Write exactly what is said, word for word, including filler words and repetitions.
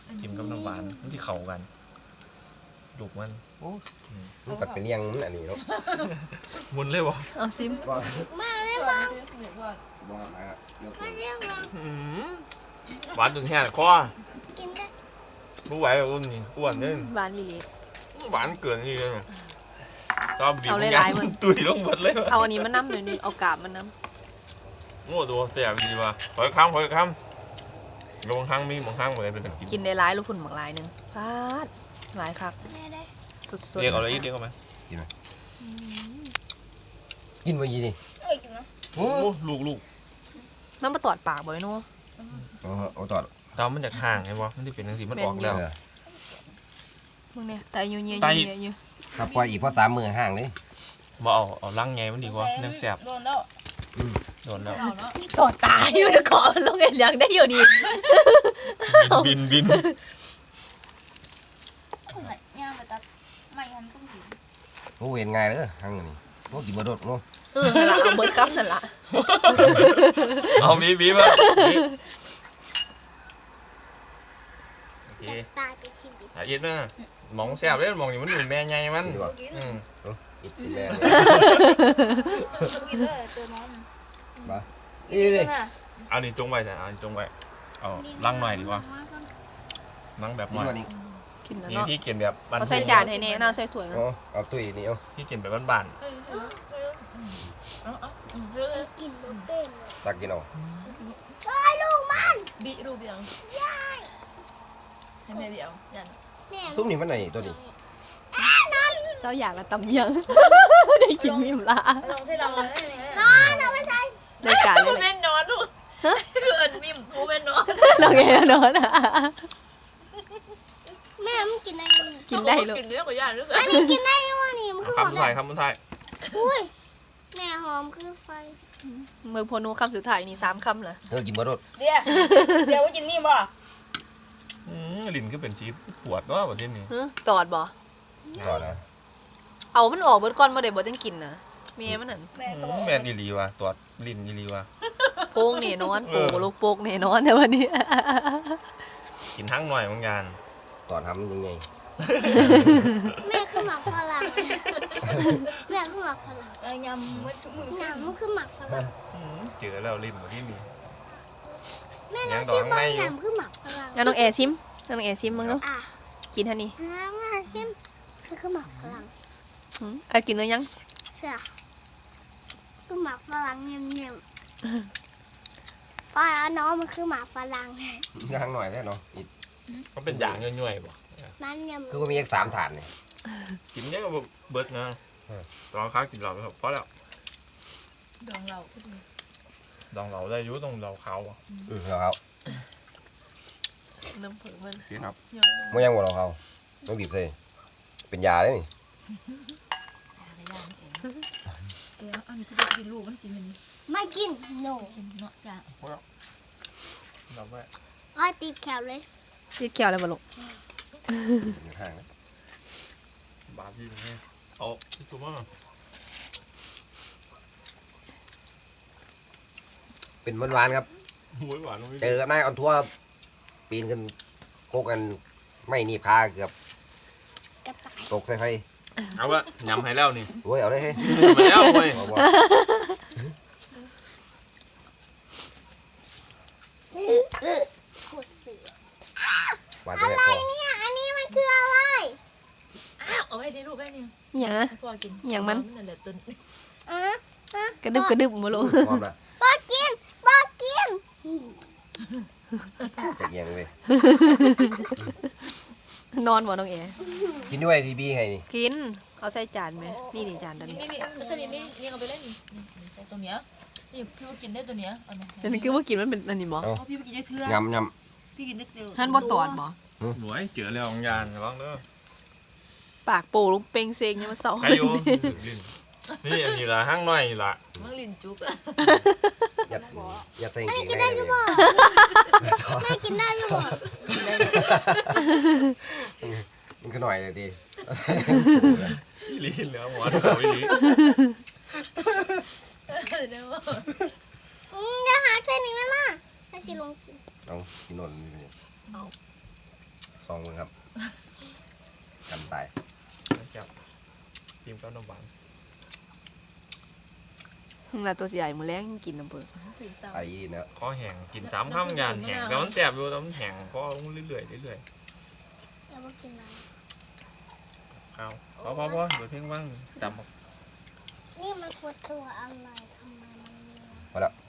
กินกับน้ำหวานมันที่เข้ากันดุกมันโอ้มันกัดเป็นยังอันนี้เนาะมุนเลยวะเอาซิมมาเลยบ้างบ้ามามาเรียกบ้างหวานจนแห้งคอกินได้รู้ไหวอ้วนนี่อ้วนเนี่ยหวานลีหวานเกินนี่เลยชอบบีบมันตุยลงหมดเลยเอาอันนี้มาน้ำหน่อยนึงเอากาบมาน้ำโง่ตัวเสียดีว่ะหอยข้ามหอยข้ามลงข้างมีบางข้างเหมือนเป็นตะกินกินได้ร้ายลูกคุณบางรายหนึ่งพาดหลายครับสุดๆเรียกเอาอะไรอีกเรียกเอาไหมกินไหมกินไปยี่ดิโอ้ลูกลูกมันมาตอดปากบ่อยนู้อ๋อเอาตอดตามันจากห่างไงวะมันที่เป็นจังสีมันออกแล้วมึงเนี่ยไตเยอะเยอะเยอะถ้าปล่อยอีกพอสามมือห่างเลยบ่เอาเอาลังไงมันดีกว่าเนื้อแสบโดนแล้วโดนแล้วตอดตายอยู่จะขอลงเงินเลี้ยงได้อยู่ดีบินบินโอ้เห็นง่ายเลยห่างนี่โอ้กินบะรดโอ้เออนั่นแหละเอาเบิร์ดคัพนั่นแหละเอาบีบีมาโอเคตายไปชิมดิหาเย็ดนะมองแสบเลยมองอยู่มันเป็นแม่ใหญ่มันอืมกินแม่กินเลยตัวน้องมานี่เลยเอาดิจงไว้ใช่เอาจงไว้เอาลังหน่อยดีกว่าลังแบบหน่อยกินแล้วนี่ที่กินแบบเอาใส่จานให้เน่น่าใส่ถ้วยอ๋อเอาตุ้ยนี่เอาที่กินแบบบ้านกินลูกเต้นตักกินเอาเฮ้ยลูกมันบีรูปยังยายให้แม่บีเอายันซุปนี่มันไหนตัวนี้เจ้าอยากละตำยังได้กินมิมละลองใส่ลองเลยนอนเอาไปใส่ได้การเลยแม่นอนลูกคือเอิญมิมผู้แม่นอนลองไงนอนอ่ะแม่มันกินได้กินได้เลยกินเนื้อกว่าย่างหรือเปล่าอันนี้กินได้ยังวะนี่มันคือหอมคำสุดท้ายคำสุดท้ายอุ้ยแม่หอมคือไฟเมืองพนูคำสุดท้ายนี่สามคำเหรอเออกินบะรดเดี๋ยวเดี๋ยวว่ากินนี่บ่ลิ้นก็เป็นชีสปวดว่าแบบนี้ตอดบ่ตอดนะเอามันออกเบิดก่อนมาเดี๋ยวบ่ต้องกินนะเมียมันนั่นแม่อีลีว่ะตอดลิ้นอีลีว่ะโป่งเนี่ยนอนโป่ลูกโป่งเนี่ยนอนในวันนี้กินทั้งหน่อยเหมือนกันตอดทำยังไงแม่คือหมักฝรั่งแม่คือหมักฝรั่งเออยำมันทุกมือยำมันคือหมักฝรั่งเจอแล้วลิ้นที่มีแม่น้องชิมบ้างยำคือหมักฝรั่งงั้นน้องแอร์ชิมน้องแอร์ชิมมั้งเนาะกินท่านี้น้ำมาชิมคือหมักฝรั่งไอ้กินเนื้อยังใช่คือหมักฝรั่งเงียบๆป้าน้องมันคือหมักฝรั่งย่างหน่อยได้เนาะก็เป็นอย่างย่อยๆบ่นั่นยังคือก็มีอีกสามถาดเนี่ยกินเยอะก็เบิดนะตอนค้ากินเหล้าไปเพราะแล้วดองเราดองเหล้าได้ยุ่ตรงเหล้าขาวอ่ะอือเหล้าน้ำผึ้งมันกินครับไม่ยังหมดเหล้าเขาไม่บีบเลยเป็นยาเลยนี่ไม่กินโน่เนาะจ้ะเราไม่อ้อยติดแขวเลยติดแขวเลยบ่ลูกห่างบาพี่นี่เอาตัวมั้งเป็นหวานๆครับเจอกันนายออนทัวร์ปีนกันโกกันไม่หนีบขาเกือบตกใส่ไฟเอาละยำให้แล้วนี่โอ้ยเอาเลยเฮ้ยมาแล้วเว้ยอะไรเนี่ยอันนี้มันคืออะไรเอาไว้ในรูปไว้เนี่ยอย่างอย่างมันกระดึบกระดึบมาลงบ้ากินบ้ากินจะเอียงเลยนอนบ่น้องเอ๋กินด้วยทีบีไงนี่กินเอาใส่จานไหมนี่นี่จานตัวนี้นี่นี่ใส่นี่นี่นี่เอาไปเล่นนี่ใส่ตรงเนี้ยนี่พี่ว่ากินได้ตัวเนี้ยเอาไหมแต่นี่คือว่ากินมันเป็นอันนี้บ่พี่ว่ากินได้เทื่อยำยำพี่กินได้เทื่อท่านบ่ตอดบ่หวยเจอแล้วของยานร้องเด้อปากโป่ลูกเป่งเซงยังมาเศร้านี่อันนี้ละห้างน้อยละมังลินจุกอะยัดยัดใส่กินได้ยังบ่แม่กินได้ยังบ่มันก็หน่อยเลยดิอีลีเหลือหัวเขาอีลีจะหาเส้นนี้ไหมล่ะให้ชิลงกินเอากินนนสองมือครับกันตายจับทีมเก้าน้ำหวานมึงละตัวใหญ่มือแรงกินน้ำเปิดไอ้เนาะข้อแห้งกินสามคำยานแห้งแต่มันแสบอยู่แต่มันแห้งเพราะเรื่อยๆเรื่อยอย่ามากินนะๆเอาพอพอพอเดี๋ยวเพ่งว่างจำนี่มันคือตัวอะไรทำไมมันมีพอแล้ว